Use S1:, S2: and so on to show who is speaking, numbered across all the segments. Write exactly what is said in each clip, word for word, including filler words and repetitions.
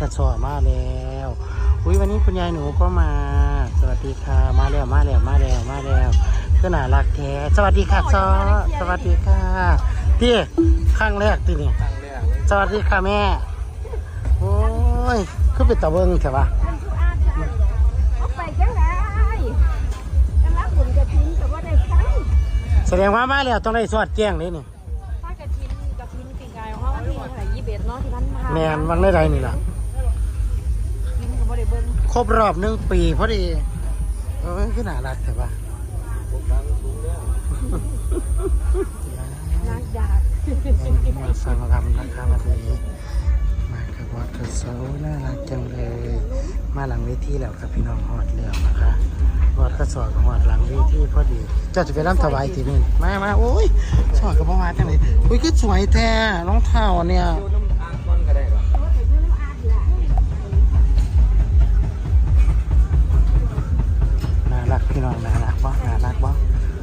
S1: กระสอบมาแล้วอุ้ยวันนี้คุณยายหนูก็มาสวัสดีค่ะมาแล้วมาแล้วมาแล้วมาแล้วก็น่ารักแท้สวัสดีค่ะซอสวัสดีค่ะพี่ครั้งแรกที่นี่สวัสดีค่ะแม่โอ้ยคือเป็นตะเบิงใช่ปะแสดงว่ามาแล้วต้องได้สวดแจ้งเลยนี่
S2: ป้ากระทินกระทินปีกายของเขาวันที่เท่าไหร่ยี่สิบเอ็ดเนาะที่พันพา
S1: แมนวังได้ไรนี่ล่ะ
S2: ทินกับบ่ได้เบิ้ง
S1: ครบรอบหนึ่งปีพอดีเออคือน่ารักใช่ปะ
S2: นักดาบ
S1: มาฟังรำนะคะวันนี้มากับวัดกระเซาน่ารักจังเลยมาหลังเวทีแล้วครับพี่น้องหอดเลี้ยวนะคะวัดกระสอบกับหอดหลังเวทีพอดีเจ้าจะไปรำถวายทีนึงมามาโอ้ยสอดกับพ่อมาจังเลยอุ้ยคือสวยแท้น้องเท้าเนี่ยน่ารักพี่น้องน่ารักบ่น่ารักบ่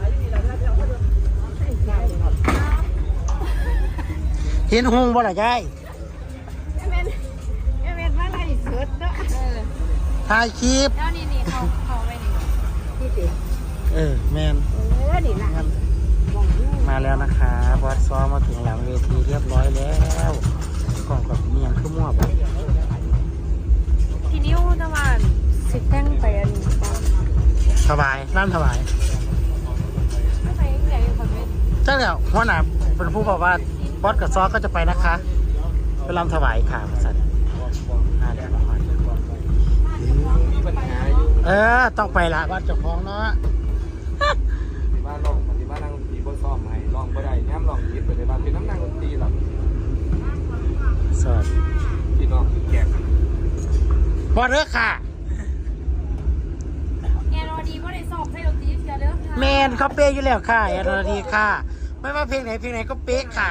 S1: เห็นหงบ่ล่ะยาย
S2: เอเมนเอเมนมาไล่สุดเนาะ
S1: ถ่ายคลิป
S2: แล้วนี่นี่เขาเขาไปนี่ที่สิ
S1: เออแมน
S2: เออนี่นะ
S1: มาแล้วนะคะวัดซ้อมมาถึงหลังเวทีเรียบร้อยแล้วกล่องกับเมียงขึ้นมั่วไป
S2: ทีนิ้วตะวันสิแต่งไปอัน
S1: สบายนั่นสบาย
S2: ไม่ไปไหนคนไม่
S1: ใช่แล้วหัวหน้าเป็นผู้บอกว่าบอสกับซอก็จะไปนะคะไปรำถวายค่ะสัตว์มาแล้วมาเออต้องไปละวัดเจ้าของเนาะ
S3: บ้านลองปฏิบัตินั่งดนตรีบนซ้อมให้ลองบ่ได้แง้มลองคิดไปในบ้านเป็นน้ำนั่งดนตรีหรอก
S1: สวัสดี
S3: พี่น้องแขก
S1: บอสเด้อค่ะ
S2: แอนอดีบ่ได้สอบใส่ดนตรีเสียเด้อค่ะ
S1: แมนเขาเป๊ะอยู่แล้วค่ะแอนอดีค่ะไม่ว่าเพลงไหนเพลงไหนก็เป๊ะค่ะ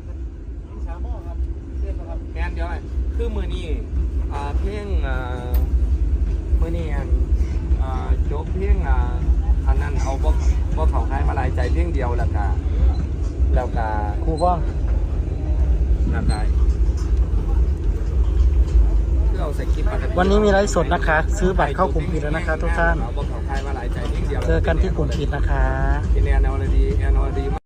S3: แง้มเดี๋ยวคือมือนี้เพลงมือนี้โจ๊กเพลงอันนั้นเอาพวกพวกเขาคล้ายมาลายใจเพียงเดียวแล้วก็แล้วก็
S1: ครูบ้าง
S3: แล้วก็เราใส่คลิป
S1: วันนี้มีไลฟ์สดนะคะซื้อบัตรเข้ากลุ่มปิดแล้วนะคะทุกท่าน
S3: พวกเขาคล้ายมาลายใจเพียงเดียว
S1: เจอกันที่กลุ่มปิดนะคะ
S3: แอนอดีแอนอดี